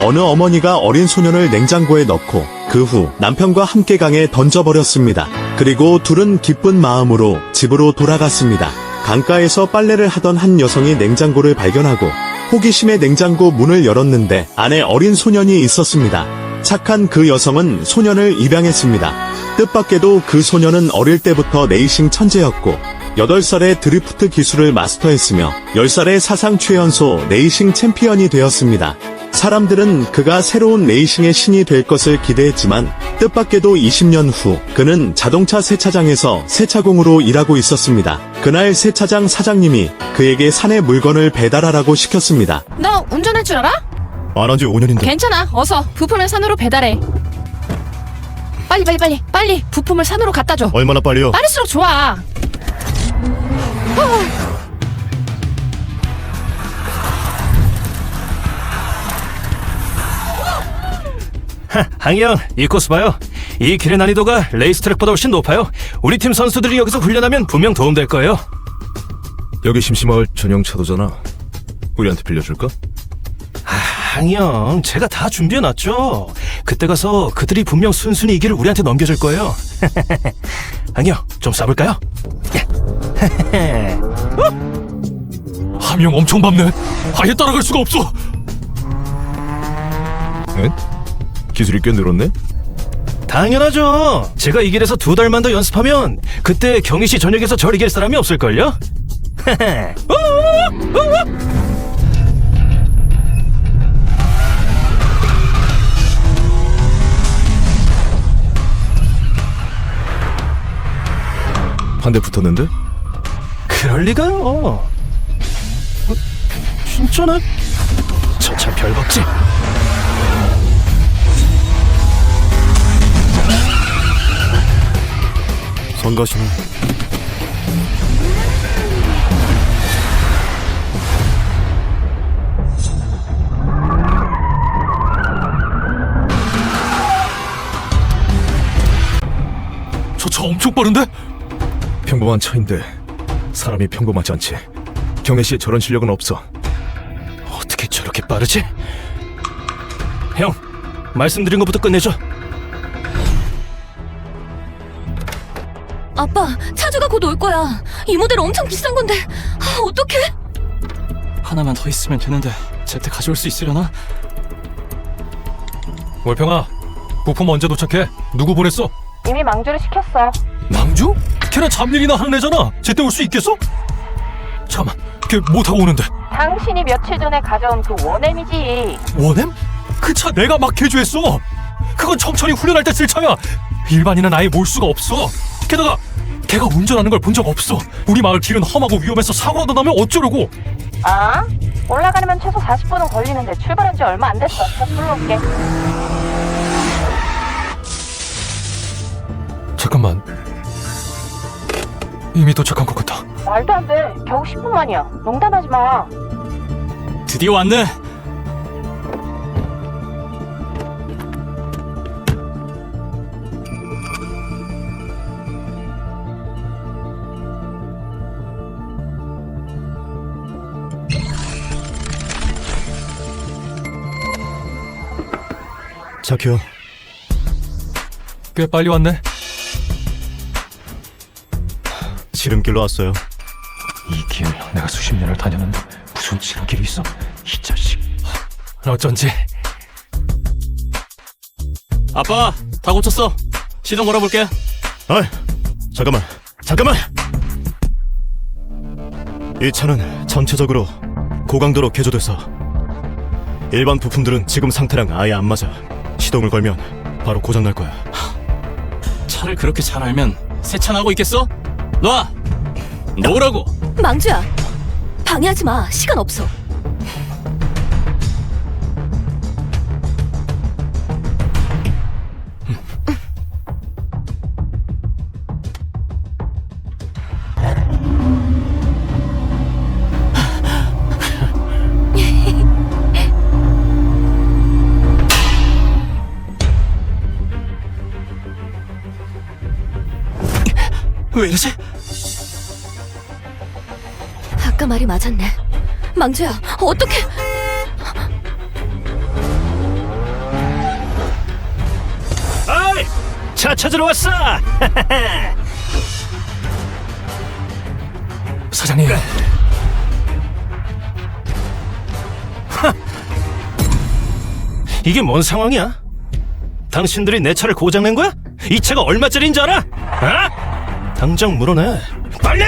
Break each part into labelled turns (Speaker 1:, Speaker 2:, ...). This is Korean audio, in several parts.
Speaker 1: 어느 어머니가 어린 소년을 냉장고에 넣고 그 후 남편과 함께 강에 던져버렸습니다. 그리고 둘은 기쁜 마음으로 집으로 돌아갔습니다. 강가에서 빨래를 하던 한 여성이 냉장고를 발견하고 호기심에 냉장고 문을 열었는데 안에 어린 소년이 있었습니다. 착한 그 여성은 소년을 입양했습니다. 뜻밖에도 그 소년은 어릴 때부터 레이싱 천재였고 8살에 드리프트 기술을 마스터했으며 10살에 사상 최연소 레이싱 챔피언이 되었습니다. 사람들은 그가 새로운 레이싱의 신이 될 것을 기대했지만 뜻밖에도 20년 후 그는 자동차 세차장에서 세차공으로 일하고 있었습니다. 그날 세차장 사장님이 그에게 산에 물건을 배달하라고 시켰습니다.
Speaker 2: 너 운전할 줄 알아?
Speaker 3: 안 한 지 5년인데.
Speaker 2: 괜찮아. 어서 부품을 산으로 배달해. 빨리 부품을 산으로 갖다 줘.
Speaker 3: 얼마나 빨리요?
Speaker 2: 빠를수록 좋아.
Speaker 4: 항영, 이 코스 봐요. 이 길의 난이도가 레이스트랙보다 훨씬 높아요. 우리 팀 선수들이 여기서 훈련하면 분명 도움될 거예요.
Speaker 3: 여기 심심마을 전용 차도잖아. 우리한테 빌려줄까?
Speaker 4: 항영, 제가 다 준비해놨죠. 그때 가서 그들이 분명 순순히 이 길을 우리한테 넘겨줄 거예요. 항영, 좀 쏴볼까요?
Speaker 5: 함영 엄청 밟네. 아예 따라갈 수가 없어.
Speaker 3: 응? 기술이 꽤 늘었네?
Speaker 4: 당연하죠. 제가 이 길에서 2달만 더 연습하면 그때 경희씨 전역에서 절 이길 사람이 없을걸요?
Speaker 3: 한 대 붙었는데?
Speaker 4: 그럴 리가요. 진짜네? 저 참 별박지.
Speaker 3: 성가시네.
Speaker 5: 저 차 엄청 빠른데?
Speaker 3: 평범한 차인데 사람이 평범하지 않지. 경혜씨의 저런 실력은 없어.
Speaker 4: 어떻게 저렇게 빠르지? 형, 말씀드린 것부터 끝내죠.
Speaker 6: 아빠, 차주가 곧 올 거야. 이 모델 엄청 비싼 건데. 어떡해?
Speaker 5: 하나만 더 있으면 되는데 제때 가져올 수 있으려나? 월평아, 부품 언제 도착해? 누구 보냈어?
Speaker 2: 이미 망주를 시켰어.
Speaker 5: 망주? 걔는 잡일이나 하는 애잖아. 제때 올 수 있겠어? 잠깐만, 걔 뭐 타고 오는데?
Speaker 2: 당신이 며칠 전에 가져온 그 원엠이지.
Speaker 5: 원엠? 그 차 내가 막 개조했어. 그건 청천이 훈련할 때 쓸 차야. 일반인은 아예 몰 수가 없어. 게다가 걔가 운전하는 걸 본 적 없어. 우리 마을 길은 험하고 위험해서 사고라도 나면 어쩌려고.
Speaker 2: 아? 올라가려면 최소 40분은 걸리는데 출발한 지 얼마 안 됐어. 저 불러올게.
Speaker 5: 잠깐만, 이미 도착한 것 같다.
Speaker 2: 말도 안 돼. 겨우 10분만이야. 농담하지 마.
Speaker 5: 드디어 왔네.
Speaker 3: 자키야,
Speaker 5: 꽤 빨리 왔네.
Speaker 3: 지름길로 왔어요.
Speaker 5: 이 길 내가 수십 년을 다녔는데 무슨 지름길이 있어? 이 자식. 어쩐지. 아빠, 다 고쳤어. 시동 걸어볼게.
Speaker 3: 아이, 잠깐만. 이 차는 전체적으로 고강도로 개조돼서 일반 부품들은 지금 상태랑 아예 안 맞아. 시동을 걸면 바로 고장 날 거야.
Speaker 5: 차를 그렇게 잘 알면 세차나고 있겠어? 놔! 놓으라고!
Speaker 6: 망주야, 방해하지 마. 시간 없어.
Speaker 5: 왜 이러지?
Speaker 6: 아까 말이 맞았네. 망주야, 어떡해?
Speaker 4: 차 찾으러 왔어.
Speaker 5: 사장님,
Speaker 4: 이게 뭔 상황이야? 당신들이 내 차를 고장낸 거야? 이 차가 얼마짜리인 줄 알아? 어? 당장 물어내. 빨리!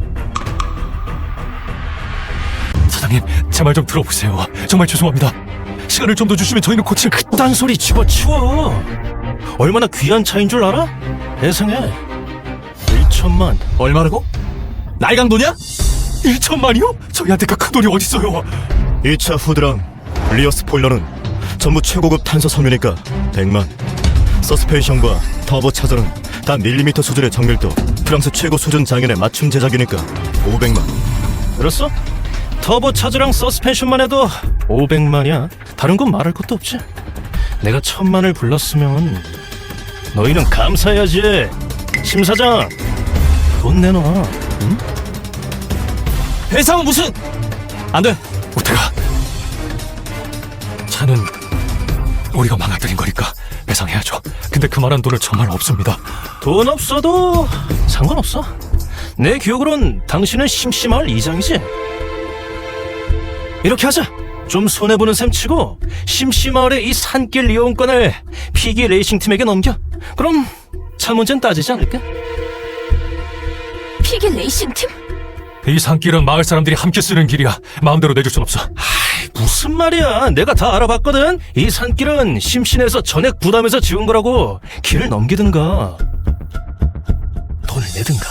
Speaker 5: 사장님, 제 말 좀 들어보세요. 정말 죄송합니다. 시간을 좀 더 주시면 저희는 고칠...
Speaker 4: 그딴 소리 집어치워. 얼마나 귀한 차인 줄 알아? 세상에 1천만.
Speaker 5: 얼마라고? 날강도냐? 1천만이요? 저희한테 그 큰 돈이 어딨어요?
Speaker 3: 2차 후드랑 리어 스포일러는 전부 최고급 탄소 섬유니까 100만. 서스펜션과 터보 차저는 다 밀리미터 수준의 정밀도, 프랑스 최고 수준 장인의 맞춤 제작이니까 500만.
Speaker 4: 들었어? 터보 차저랑 서스펜션만 해도 500만이야. 다른 건 말할 것도 없지. 내가 1000만을 불렀으면 너희는 감사해야지. 심 사장, 돈 내놔. 응?
Speaker 5: 배상은 무슨... 안 돼, 우태가. 차는 우리가 망가뜨린 거니까 배상해야죠. 근데 그만한 돈은 정말 없습니다.
Speaker 4: 돈 없어도 상관없어. 내 기억으론 당신은 심심할 이장이지. 이렇게 하자. 좀 손해보는 셈 치고 심심마을의 이 산길 이용권을 피기 레이싱팀에게 넘겨. 그럼 차 문제는 따지지 않을까?
Speaker 6: 피기 레이싱팀?
Speaker 5: 이 산길은 마을 사람들이 함께 쓰는 길이야. 마음대로 내줄 순 없어.
Speaker 4: 무슨 말이야. 내가 다 알아봤거든. 이 산길은 심신에서 전액 부담해서 지은 거라고. 길을 넘기든가 돈을 내든가.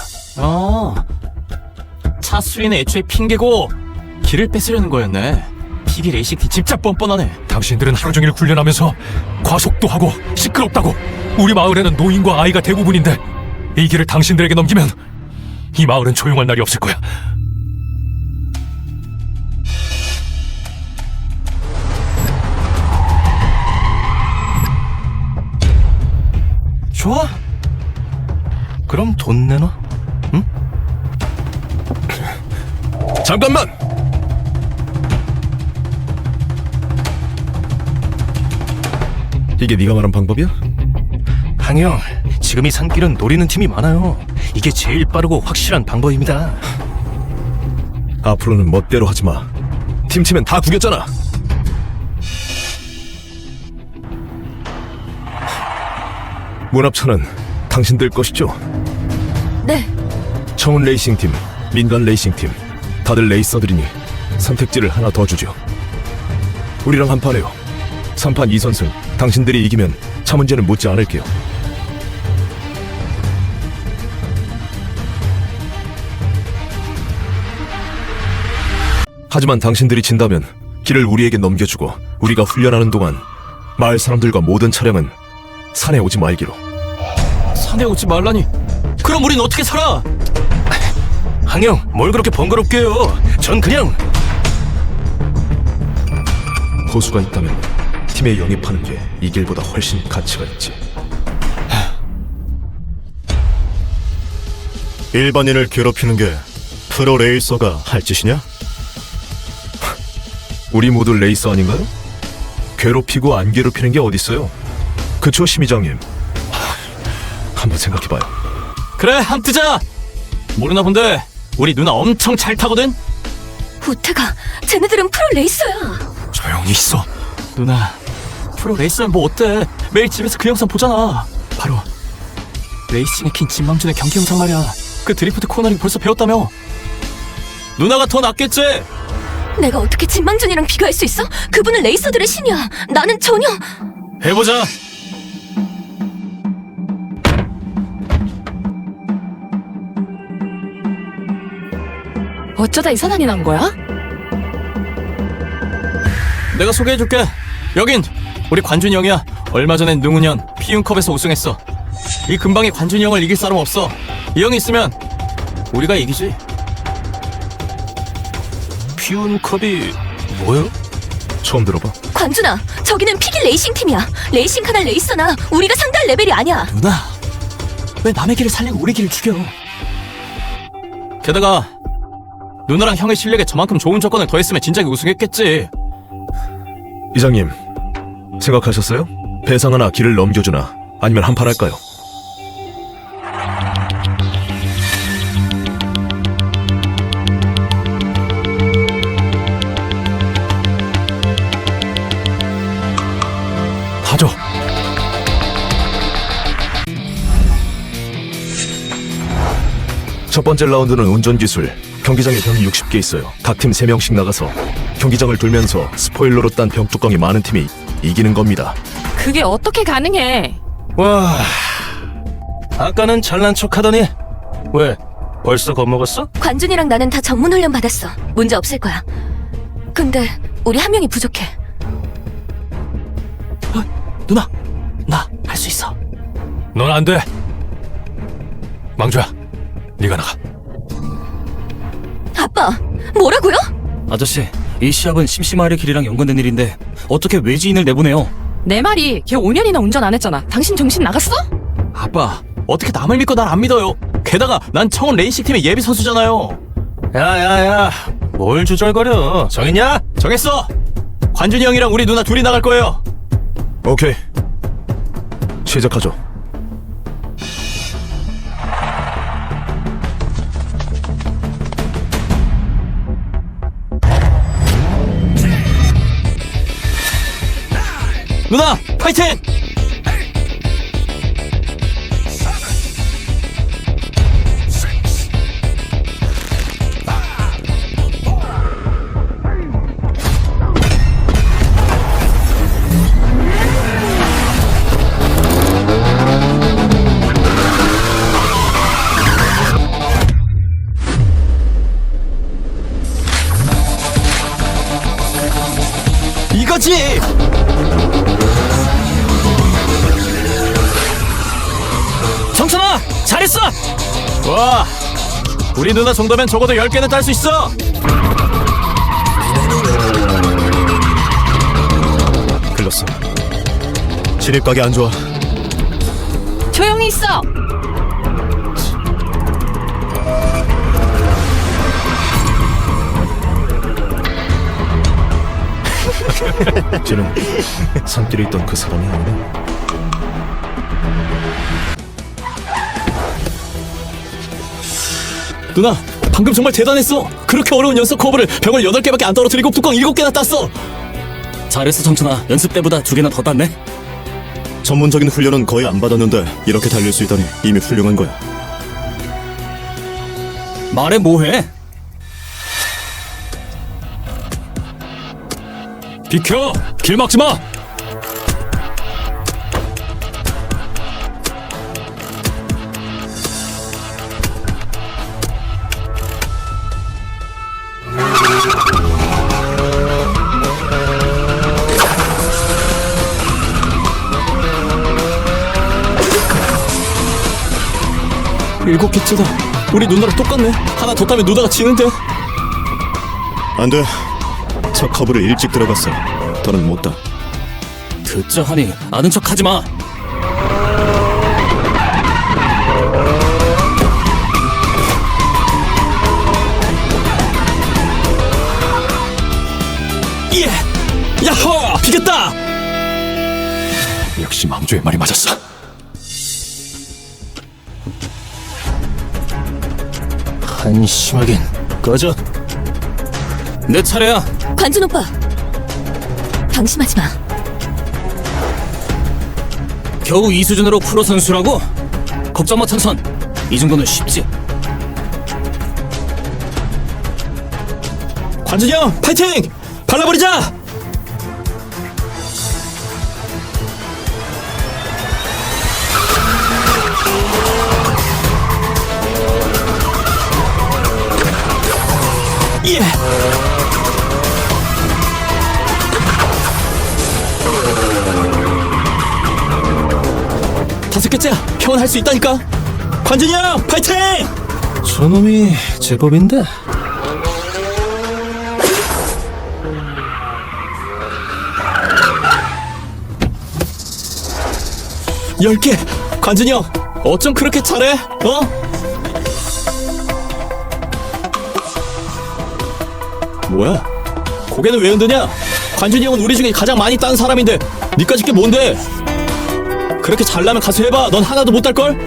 Speaker 7: 차 수리는 애초에 핑계고 길을 뺏으려는 거였네. 피기 레이싱팀 진짜 뻔뻔하네.
Speaker 5: 당신들은 하루 종일 훈련하면서 과속도 하고 시끄럽다고. 우리 마을에는 노인과 아이가 대부분인데 이 길을 당신들에게 넘기면 이 마을은 조용할 날이 없을 거야.
Speaker 4: 좋아. 그럼 돈 내놔. 응?
Speaker 3: 잠깐만! 이게 네가 말한 방법이야?
Speaker 4: 항영, 지금 이 산길은 노리는 팀이 많아요. 이게 제일 빠르고 확실한 방법입니다.
Speaker 3: 앞으로는 멋대로 하지 마. 팀 치면 다 구겼잖아. 문합차는 당신들 것이죠?
Speaker 6: 네.
Speaker 3: 청운 레이싱팀, 민간 레이싱팀, 다들 레이서들이니 선택지를 하나 더 주죠. 우리랑 한판해요. 3판 2선승. 당신들이 이기면 차 문제는 묻지 않을게요. 하지만 당신들이 진다면 길을 우리에게 넘겨주고 우리가 훈련하는 동안 마을 사람들과 모든 차량은 산에 오지 말기로.
Speaker 7: 산에 오지 말라니. 그럼 우린 어떻게 살아?
Speaker 4: 항영, 뭘 그렇게 번거롭게 해요. 전 그냥...
Speaker 3: 호수가 있다면 팀에 영입하는 게 이 길보다 훨씬 가치가 있지. 일반인을 괴롭히는 게 프로 레이서가 할 짓이냐? 우리 모두 레이서 아닌가요? 괴롭히고 안 괴롭히는 게 어딨어요? 그쵸, 심의장님? 한번 생각해봐요.
Speaker 7: 그래, 함 뜨자. 모르나 본데 우리 누나 엄청 잘 타거든.
Speaker 6: 우태가, 쟤네들은 프로 레이서야.
Speaker 5: 조용히 있어.
Speaker 7: 누나, 프로 레이서면 뭐 어때? 매일 집에서 그 영상 보잖아. 바로 레이싱의 킹 진망준의 경기 영상 말이야. 그 드리프트 코너링 벌써 배웠다며. 누나가 더 낫겠지?
Speaker 6: 내가 어떻게 진망준이랑 비교할 수 있어? 그분은 레이서들의 신이야. 나는 전혀...
Speaker 7: 해보자.
Speaker 6: 어쩌다 이 사단이 난 거야?
Speaker 7: 내가 소개해줄게. 여긴 우리 관준이 형이야. 얼마 전엔 능훈현 피움컵에서 우승했어. 이 근방에 관준이 형을 이길 사람 없어. 이 형이 있으면 우리가 이기지.
Speaker 4: 피운컵이 뭐예요?
Speaker 3: 처음 들어봐.
Speaker 6: 관준아, 저기는 피기 레이싱 팀이야. 레이싱카나 레이서나 우리가 상대할 레벨이 아니야.
Speaker 7: 누나, 왜 남의 길을 살리고 우리 길을 죽여? 게다가 누나랑 형의 실력에 저만큼 좋은 조건을 더했으면 진작에 우승했겠지.
Speaker 3: 이장님, 생각하셨어요? 배상 하나 길을 넘겨주나 아니면 한판 할까요?
Speaker 5: 가죠.
Speaker 3: 첫 번째 라운드는 운전기술. 경기장에 병이 60개 있어요. 각 팀 3명씩 나가서 경기장을 돌면서 스포일러로 딴 병 뚜껑이 많은 팀이 이기는 겁니다.
Speaker 2: 그게 어떻게 가능해?
Speaker 4: 와, 아까는 잘난 척하더니 왜 벌써 겁먹었어?
Speaker 6: 관준이랑 나는 다 전문 훈련 받았어. 문제 없을 거야. 근데 우리 한 명이 부족해.
Speaker 7: 누나, 나 할 수 있어.
Speaker 5: 넌 안 돼. 망주야, 네가 나가.
Speaker 6: 아빠, 뭐라고요?
Speaker 7: 아저씨, 이 시합은 심심하리 길이랑 연관된 일인데 어떻게 외지인을 내보내요?
Speaker 2: 내 말이 걔 5년이나 운전 안 했잖아. 당신 정신 나갔어?
Speaker 7: 아빠, 어떻게 남을 믿고 날 안 믿어요? 게다가 난 청원 레이싱 팀의 예비 선수잖아요.
Speaker 4: 야야야, 뭘 주절거려? 정했냐?
Speaker 7: 정했어. 관준이 형이랑 우리 누나 둘이 나갈 거예요.
Speaker 3: 오케이. 시작하죠.
Speaker 7: 누나, 파이팅! 이거지! 정천아, 잘했어! 와, 우리 누나 정도면 적어도 10개는 딸 수 있어!
Speaker 3: 글렀어. 진입각이 안 좋아.
Speaker 2: 조용히 있어.
Speaker 3: 쟤는 산길에 있던 그 사람이 아니네.
Speaker 7: 누나, 방금 정말 대단했어! 그렇게 어려운 연속 커브를 병을 8개밖에 안 떨어뜨리고 뚜껑 7개나 땄어! 잘했어, 정천아. 연습 때보다 2개나 더 땄네?
Speaker 3: 전문적인 훈련은 거의 안 받았는데 이렇게 달릴 수 있다니 이미 훌륭한 거야.
Speaker 7: 말해 뭐해?
Speaker 5: 비켜! 길 막지 마!
Speaker 7: 일곱 개째다. 우리 누나랑 똑같네. 하나 더 따면 누나가 지는데.
Speaker 3: 안 돼. 첫 커브를 일찍 들어갔어. 더는 못 따.
Speaker 7: 듣자 하니 아는 척 하지 마. 예! 야호! 비겼다!
Speaker 5: 역시 망주의 말이 맞았어.
Speaker 4: 한심하긴. 꺼져.
Speaker 7: 내 차례야.
Speaker 6: 관준 오빠, 방심하지 마.
Speaker 7: 겨우 이 수준으로 프로 선수라고? 걱정 마, 천선. 이 정도는 쉽지. 관준이 형, 파이팅! 발라버리자! 예! 다섯 개째야. 형은 할 수 있다니까. 관준이 형, 파이팅!
Speaker 4: 저놈이 제법인데.
Speaker 7: 열 개. 관준이 형, 어쩜 그렇게 잘해? 어? 뭐야? 고개는 왜 흔드냐? 관준이 형은 우리 중에 가장 많이 딴 사람인데 니까짓 게 뭔데? 그렇게 잘나면 가서 해봐. 넌 하나도 못 딸걸?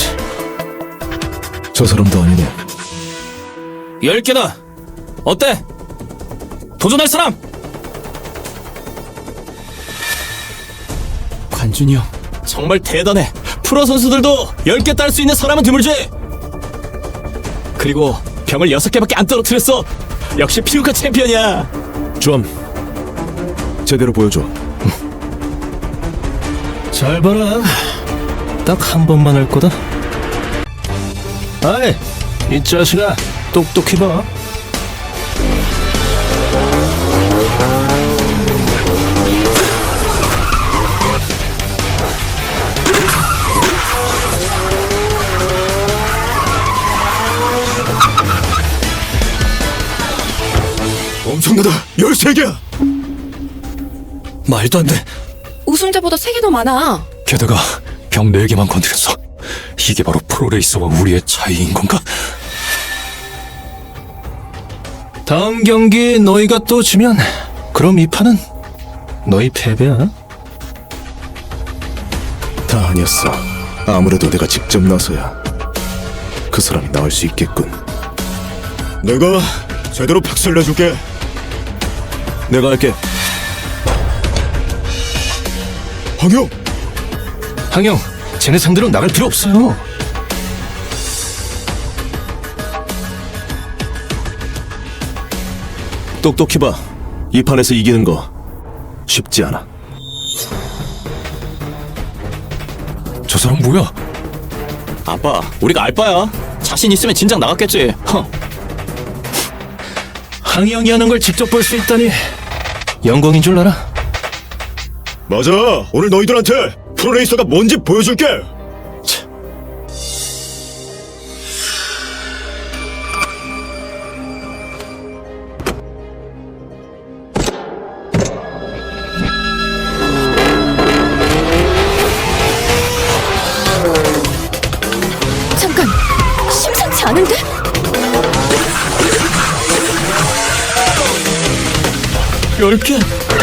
Speaker 3: 저 사람도 아니네.
Speaker 7: 10개다. 어때? 도전할 사람? 관준이 형 정말 대단해. 프로 선수들도 10개 딸 수 있는 사람은 드물지. 그리고 병을 6개밖에 안 떨어뜨렸어. 역시 피우카 챔피언이야.
Speaker 3: 좀 제대로 보여줘.
Speaker 4: 잘 봐라. 딱 한 번만 할 거다. 아이, 이 자식아, 똑똑히 봐.
Speaker 3: 엄청나다. 13개야.
Speaker 7: 말도 안 돼.
Speaker 6: 우승자보다 3개 더 많아.
Speaker 7: 게다가 병 4개만 건드렸어. 이게 바로 프로레이서와 우리의 차이인 건가?
Speaker 4: 다음 경기 너희가 또 지면 그럼 이 판은 너희 패배야.
Speaker 3: 다 아니었어. 아무래도 내가 직접 나서야 그 사람이 나을 수 있겠군. 내가 제대로 박살 내줄게. 내가 할게. 황영!
Speaker 4: 항영, 쟤네 상대로 나갈 필요 없어요.
Speaker 3: 똑똑히 봐. 이 판에서 이기는 거 쉽지 않아.
Speaker 7: 저 사람 뭐야? 아빠, 우리가 알바야. 자신 있으면 진작 나갔겠지.
Speaker 4: 항영이 하는 걸 직접 볼 수 있다니 영광인 줄 알아.
Speaker 3: 맞아. 오늘 너희들한테 프로레이서가 뭔지 보여줄게.
Speaker 6: 잠깐, 심상치 않은데?
Speaker 7: 10개,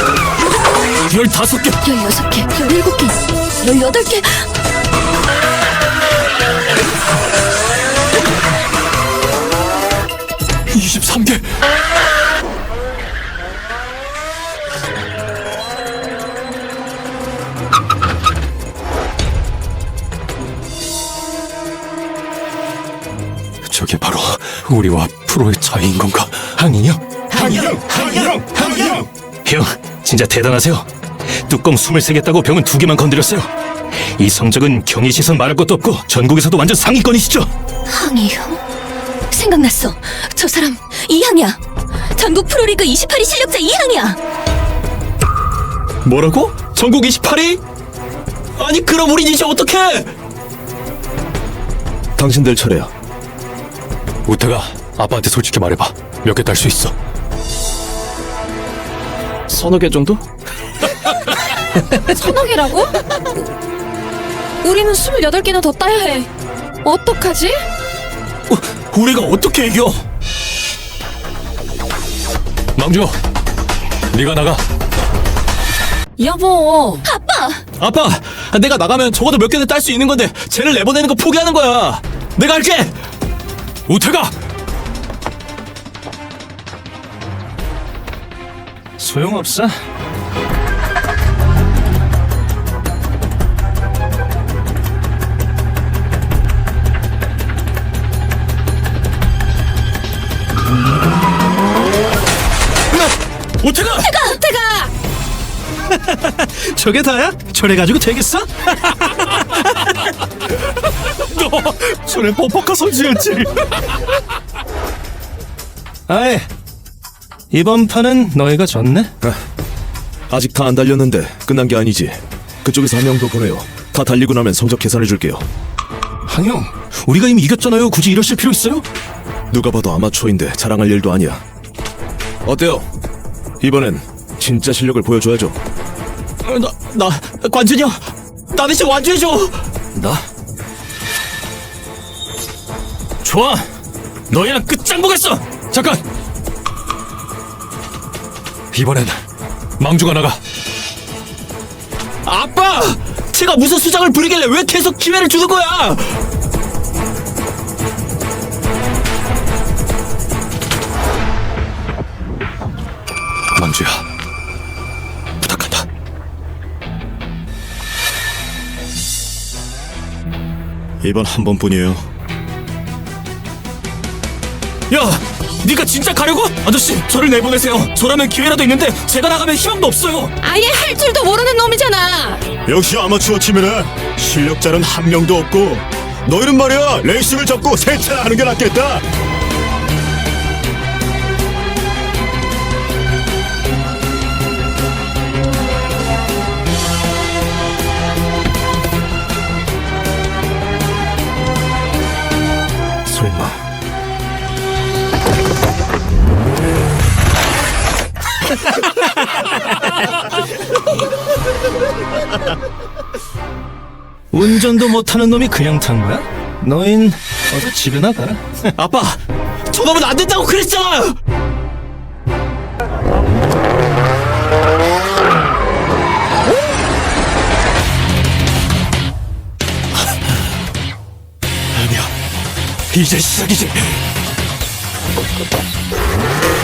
Speaker 7: 15개.
Speaker 6: 16개, 17개, 18개.
Speaker 7: 23개. 저게 바로 우리와 프로의 차이인 건가? 항이요?
Speaker 4: 형, 진짜 대단하세요. 뚜껑 23개 따고 병은 2개만 건드렸어요. 이 성적은 경희 시선 말할 것도 없고 전국에서도 완전 상위권이시죠.
Speaker 6: 항이 형? 생각났어. 저 사람 이항이야. 전국 프로리그 28위 실력자 이항이야.
Speaker 7: 뭐라고? 전국 28위? 아니 그럼 우린 이제 어떡해?
Speaker 3: 당신들 차례야.
Speaker 7: 우태가 아빠한테 솔직히 말해봐. 몇 개 딸 수 있어? 서너 개 정도?
Speaker 6: 서너 개라고? 우리는 28개나 더 따야 해. 어떡하지?
Speaker 7: 우리가 어떻게 이겨? 망주, 네가 나가.
Speaker 6: 여보.
Speaker 7: 아빠, 내가 나가면 적어도 몇 개는 딸 수 있는 건데 쟤를 내보내는 거 포기하는 거야. 내가 할게. 우태가.
Speaker 4: 소용없어.
Speaker 7: 우태가.
Speaker 4: 저게 다야? 저래가지고 되겠어?
Speaker 7: 너 손에 뻑뻑한 손질했지.
Speaker 4: 아이, 이번 판은 너희가 졌네?
Speaker 3: 아직 다 안 달렸는데 끝난 게 아니지. 그쪽에서 한 명 더 보내요. 다 달리고 나면 성적 계산해줄게요.
Speaker 4: 항영, 우리가 이미 이겼잖아요. 굳이 이러실 필요 있어요?
Speaker 3: 누가 봐도 아마추어인데 자랑할 일도 아니야. 어때요? 이번엔 진짜 실력을 보여줘야죠.
Speaker 7: 나 관준이 형, 나 대신 완주해줘.
Speaker 4: 나? 좋아, 너희랑 끝장 보겠어.
Speaker 5: 잠깐. 이번엔 망주가 나가.
Speaker 7: 아빠, 제가 무슨 수작을 부리길래 왜 계속 기회를 주는 거야? 망주야, 부탁한다.
Speaker 3: 이번 한 번뿐이에요.
Speaker 7: 야, 네가 진짜 가려고? 아저씨, 저를 내보내세요. 저라면 기회라도 있는데 제가 나가면 희망도 없어요.
Speaker 6: 아예 할 줄도 모르는 놈이잖아.
Speaker 3: 역시 아마추어 팀에는 실력자는 한 명도 없고 너희는 말이야 레이싱을 접고 세차를 하는 게 낫겠다.
Speaker 4: 설마 운전도 못하는 놈이 그냥 탄 거야? 너흰 어서 집에 나가.
Speaker 7: 아빠, 저놈은 안 된다고 그랬잖아.
Speaker 5: 아니야. 이제 시작이지.